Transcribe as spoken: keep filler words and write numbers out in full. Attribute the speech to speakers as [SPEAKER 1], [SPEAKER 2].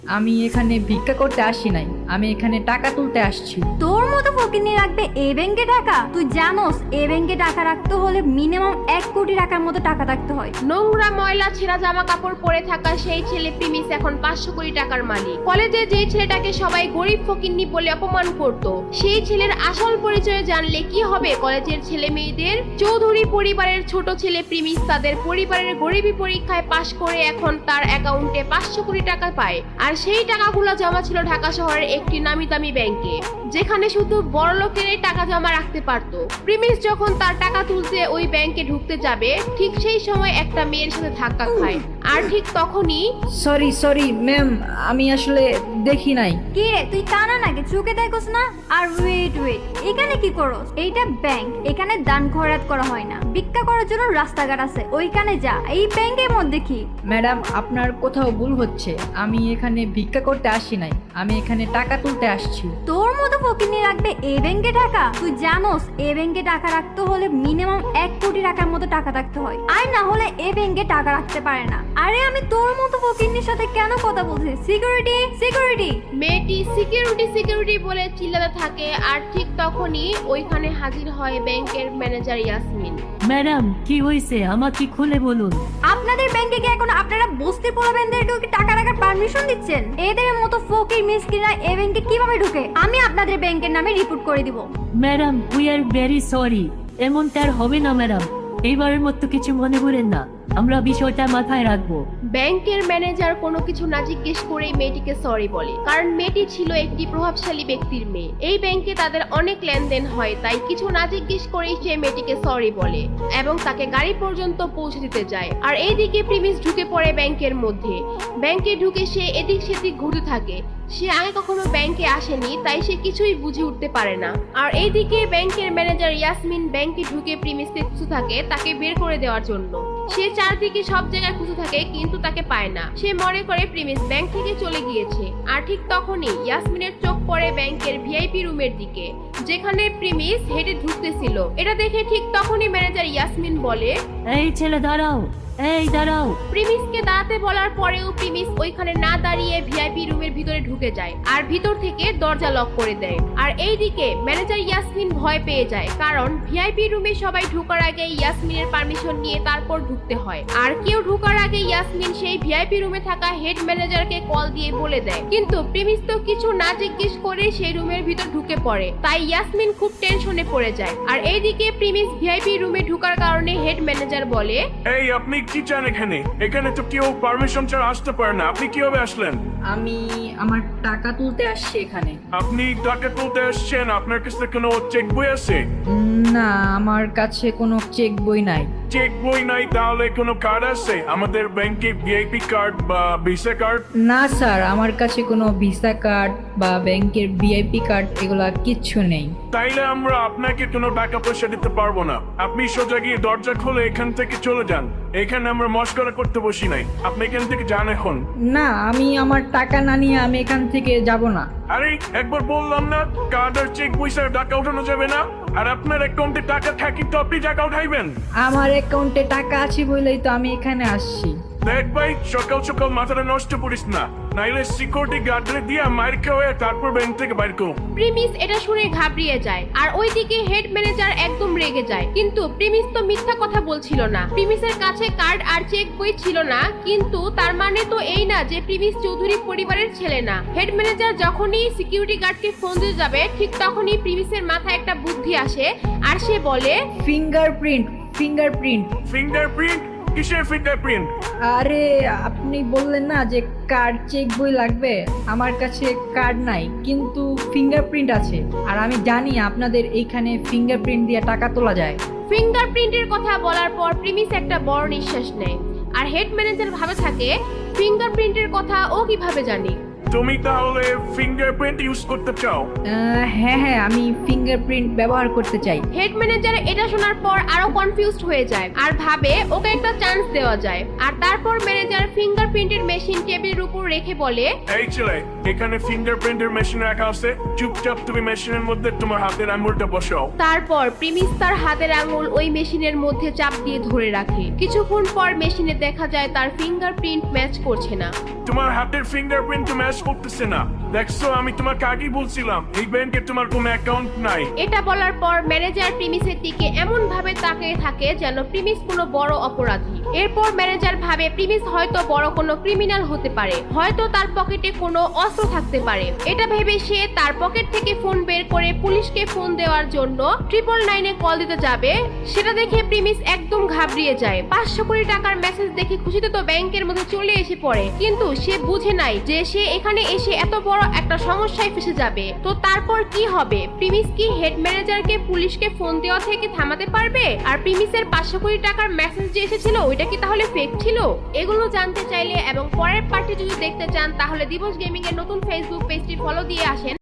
[SPEAKER 1] আমি এখানে ভিক্ষা করতে আসি নাই, আমি এখানে টাকা তুলতে আসছি।
[SPEAKER 2] তোর মতো ফকিনি রাখবে এই ব্যাংকে টাকা? তুই জানোস এই ব্যাংকে টাকা রাখতে হলে মিনিমাম এক কোটি টাকার মতো টাকা রাখতে হয়।
[SPEAKER 3] নোংরা ময়লা ছেঁড়া জামা কাপড় পরে থাকা সেই ছেলে প্রিমিস এখন পাঁচশো কোটি টাকার মালিক। কলেজে যে ছেলেটাকে সবাই গরিব ফকিন্নি বলে অপমান করত, সেই ছেলের আসল পরিচয় জানলে কি হবে কলেজের ছেলে মেয়েদের? চৌধুরী পরিবারের ছোট ছেলে প্রিমিস তাদের পরিবারের গরিবী পরীক্ষায় পাশ করে এখন তার অ্যাকাউন্টে পাঁচশো কোটি টাকা পায়। আর সেই টাকাগুলো জমা ছিল ঢাকা শহরের একটি নামি দামি ব্যাংকে, যেখানে শুধু বড় লোকেরাই টাকা জমা রাখতে পারত। প্রিমিস যখন তার টাকা তুলতে ওই ব্যাংকে ঢুকতে যাবে, ঠিক সেই সময় একটা মেয়ের সাথে ধাক্কা খায়। আর ঠিক তখনই
[SPEAKER 1] সরি সরি ম্যাম, আমি আসলে দেখি নাই।
[SPEAKER 2] কি রে তুই কানা নাকি, চোখে দেখোস না? আর ওয়েট ওয়েট, এখানে কি করস? এইটা ব্যাংক, এখানে দান খয়রাত করা হয় না। ভিক্ষা করার জন্য রাস্তাঘাট আছে, ওইখানে যা। এই ব্যাংকের মধ্যে কি?
[SPEAKER 1] ম্যাডাম, আপনার কোথাও ভুল হচ্ছে। আমি এখানে ভিক্ষা করতে আসি নাই, আমি এখানে টাকা তুলতে আসছি।
[SPEAKER 2] তোর মতো ফকিনি রাখবে এই ব্যাংকে টাকা? তুই জানোস এই ব্যাংকে টাকা রাখতে হলে মিনিমাম এক কোটি টাকার মতো টাকা রাখতে হয়, আর না হলে এই ব্যাংকে টাকা রাখতে পারে না। আরে আমি তোর মতো ফকিনির সাথে কেন কথা বলছি? Security security.
[SPEAKER 3] মেয়েটি সিকিউরিটি সিকিউরিটি বলে চিল্লাতে থাকে। আর ঠিক তখনই ওইখানে হাজির হয় ব্যাংকের ম্যানেজার ইয়াসমিন।
[SPEAKER 4] ম্যাডাম, কি হয়েছে আমাকে খুলে বলুন।
[SPEAKER 2] আপনাদের ব্যাংকে কি এখন আপনারা বস্তি পোলাবেনদেরকেও কি টাকা রাখার পারমিশন দিচ্ছেন? এদের মতো ফকির মিসকিনরা এই ব্যাংকে কিভাবে ঢুকে? আমি আপনাদের ব্যাংকের নামে রিপোর্ট করে দিব।
[SPEAKER 4] Madam, we are very sorry. এমনটা আর হবে না ম্যাডাম, এইবারের মতো কিছু মনে করেন না, আমরা বিষয়টা মাথায় রাখবো।
[SPEAKER 3] ব্যাংকের ম্যানেজার কোনো কিছু না জিজ্ঞেস করেই মেয়েটিকে সরি বলে, কারণ মেয়েটি ছিল একটি প্রভাবশালী ব্যক্তির মেয়ে। এই ব্যাংকে তাদের অনেক লেনদেন হয়, তাই কিছু না জিজ্ঞেস করেই সে মেয়েটিকে সরি বলে এবং তাকে গাড়ি পর্যন্ত পৌঁছে দিতে যায়। আর এইদিকে প্রিমিস ঢুকে পড়ে ব্যাংকের মধ্যে। ব্যাংকে ঢুকে সে এদিক সেদিক ঘুরতে থাকে। সে আগে কখনো ব্যাংকে আসেনি, তাই সে কিছুই বুঝে উঠতে পারে না। আর এইদিকে ব্যাংকের ম্যানেজার ইয়াসমিন ব্যাংকে ঢুকে প্রিমিসকে খুঁজে থাকে তাকে বের করে দেওয়ার জন্য। সে চারদিকে সব জায়গায় খুঁজে থাকে কিন্তু তাকে পায় না। সে মনে করে প্রিমিস ব্যাংক থেকে চলে গিয়েছে। আর ঠিক তখনই ইয়াসমিনের চোখ পড়ে ব্যাংকের ভিআইপি রুমের দিকে, যেখানে প্রিমিস হেঁটে ঢুকতেছিল। এটা দেখে ঠিক তখনই ম্যানেজার ইয়াসমিন বলে,
[SPEAKER 4] এই ছেলে দাঁড়াও, এই দাঁড়াও।
[SPEAKER 3] প্রিমিসকে দাঁড়াতে বলার পরেও প্রিমিস ওইখানে না দাঁড়িয়ে ভিআইপি রুমের ভিতরে ঢুকে যায় আর ভিতর থেকে দরজা লক করে দেয়। আর এইদিকে ম্যানেজার ইয়াসমিন ভয় পেয়ে যায়, কারণ ভিআইপি রুমে সবাই ঢোকার আগে ইয়াসমিনের পারমিশন নিয়ে তারপর ঢুকতে হয়। আর কেউ ঢোকার আগে ইয়াসমিন সেই ভিআইপি রুমে থাকা হেড ম্যানেজারকে কল দিয়ে বলে দেয়, কিন্তু প্রিমিস তো কিছু না জিজ্ঞেস করে সেই রুমের ভিতর ঢুকে পড়ে। তাই ইয়াসমিন খুব টেনশনে পড়ে যায়। আর এইদিকে প্রিমিস ভিআইপি রুমে ঢোকার কারণে হেড ম্যানেজার বলে,
[SPEAKER 5] এই আপনি কি চান এখানে? এখানে তো কেউ পারমিশন ছাড়া আসতে পারে না, আপনি কিভাবে আসলেন?
[SPEAKER 1] আমি আমার টাকা তুলতে আসছি এখানে।
[SPEAKER 5] আপনি টাকা তুলতে আসছেন, আপনার কাছে কোনো চেক বই আছে?
[SPEAKER 1] না, আমার কাছে কোনো চেক বই নাই।
[SPEAKER 5] চেক বই নাই, তাহলে কোনো কার্ড আছে আমাদের ব্যাংকে, ভিআইপি কার্ড বা ভিসা কার্ড?
[SPEAKER 1] না স্যার, আমার কাছে কোনো ভিসা কার্ড বা ব্যাংকের ভিআইপি কার্ড এগুলা কিচ্ছু নেই।
[SPEAKER 5] তাইলে আমরা আপনাকে কোনো টাকা পয়সা দিতে পারবো না। আপনি সোজা গিয়ে দরজা খুলে এখান থেকে চলে যান। এখানে আমরা মস্করা করতে বসি নাই, আপনি এখান থেকে যান এখন।
[SPEAKER 1] না, আমি আমার টাকা না নিয়ে আমি এখান থেকে যাব না।
[SPEAKER 5] আরে একবার বললাম না, কার্ড আর চেক বই ছাড়া টাকা উঠানো যাবে না। আর আপনার অ্যাকাউন্টে টাকা থাকি তো আপনি টাকা উঠাইবেন।
[SPEAKER 1] আমার অ্যাকাউন্টে টাকা আছে বলেই তো আমি এখানে আসছি।
[SPEAKER 5] দেখ ভাই, সকাল সকাল মাথাটা নষ্ট করিস না, নাইলে সিকিউরিটি গার্ডরে দিয়ে মার খাওয়া তারপর ব্যাংক থেকে বাইর করো।
[SPEAKER 3] প্রিমিস এটা শুনে ঘাবড়িয়ে যায়। আর ওইদিকে হেড ম্যানেজার একদম রেগে যায়, কিন্তু প্রিমিস তো মিথ্যা কথা বলছিল না। প্রিমিসের কাছে কার্ড আর চেক বই ছিল না, কিন্তু তার মানে তো এই না যে প্রিমিস চৌধুরী পরিবারের ছেলে না। হেড ম্যানেজার যখনই সিকিউরিটি গার্ডকে ফোন দিতে যাবে, ঠিক তখনই প্রিমিসের মাথায় একটা বুদ্ধি আসে আর সে বলে,
[SPEAKER 1] ফিঙ্গারপ্রিন্ট ফিঙ্গারপ্রিন্ট
[SPEAKER 5] ফিঙ্গারপ্রিন্ট? কিসের ফিঙ্গারপ্রিন্ট?
[SPEAKER 1] আরে আপনি বললেন না যে কার্ড চেক বই লাগবে, আমার কাছে কার্ড নাই কিন্তু ফিঙ্গারপ্রিন্ট আছে। আর আমি জানি আপনাদের এইখানে ফিঙ্গারপ্রিন্ট দিয়ে টাকা তোলা যায়।
[SPEAKER 3] ফিঙ্গারপ্রিন্টের কথা বলার পর প্রিমিস একটা বড় নিঃশ্বাস নেয়। আর হেড ম্যানেজার ভাবে থাকে, ফিঙ্গারপ্রিন্টের কথা ও কিভাবে জানে?
[SPEAKER 5] তুমি তাহলে ফিঙ্গারপ্রিন্ট ইউজ করতে চাও?
[SPEAKER 1] আহ, হ্যাঁ হ্যাঁ, আমি ফিঙ্গারপ্রিন্ট ব্যবহার করতে চাই।
[SPEAKER 3] হেড ম্যানেজার এটা শোনার পর আরো কনফিউজড হয়ে যায় আর ভাবে ওকে একটা চান্স দেওয়া যায়। আর তারপর ম্যানেজার ফিঙ্গারপ্রিন্টের মেশিন টেবিলের উপর রেখে বলে,
[SPEAKER 5] এই ছেলে, এখানে ফিঙ্গারপ্রিন্টের মেশিন রাখা আছে, চুপচাপ তুমি মেশিনের মধ্যে তোমার হাতের আঙুলটা বসাও।
[SPEAKER 3] তারপর প্রিমিস তার হাতের আঙুল ওই মেশিনের মধ্যে চাপ দিয়ে ধরে রাখে। কিছুক্ষণ পর মেশিনে দেখা যায় তার ফিঙ্গারপ্রিন্ট ম্যাচ করছে না।
[SPEAKER 5] তোমার হাতের ফিঙ্গারপ্রিন্ট ম্যাচ করতেছে না। দেখছো, আমি তোমাকে আগেই বলছিলাম এই ব্যাংকে তোমার কোনো অ্যাকাউন্ট নাই।
[SPEAKER 3] এটা বলার পর ম্যানেজার প্রিমিসের দিকে এমন ভাবে তাকিয়ে থাকে যেন প্রিমিস কোনো বড় অপরাধী। এরপর ম্যানেজার ভাবে প্রিমিস হয়তো বড় কোনো ক্রিমিনাল হতে পারে, হয়তো তার পকেটে কোনো অস্ত্র থাকতে পারে। এটা ভেবে সে তার পকেট থেকে ফোন বের করে পুলিশকে ফোন দেওয়ার জন্য ট্রিপল নাইনে কল দিতে যাবে। সেটা দেখে প্রিমিস একদম ঘাবড়িয়ে যায়। পাঁচশো কোটি টাকার মেসেজ দেখে খুশিতে তো ব্যাংকের মধ্যে চলে এসে পড়ে, কিন্তু সে বুঝে নাই যে সে এখানে এসে এত বড় একটা সমস্যায় ফেসে যাবে। তো তারপর কি হবে? প্রিমিস কি হেড ম্যানেজারকে পুলিশকে ফোন দেওয়া থেকে থামাতে পারবে? আর প্রিমিসের পাঁচশো কোটি টাকার মেসেজ যে এসেছিল ওইটা কি তাহলে ফেক ছিল? এগুলো জানতে চাইলে এবং পরের পার্টি যদি দেখতে চান তাহলে দিবস গেমিং এর নতুন ফেসবুক পেজটি ফলো দিয়ে আসেন।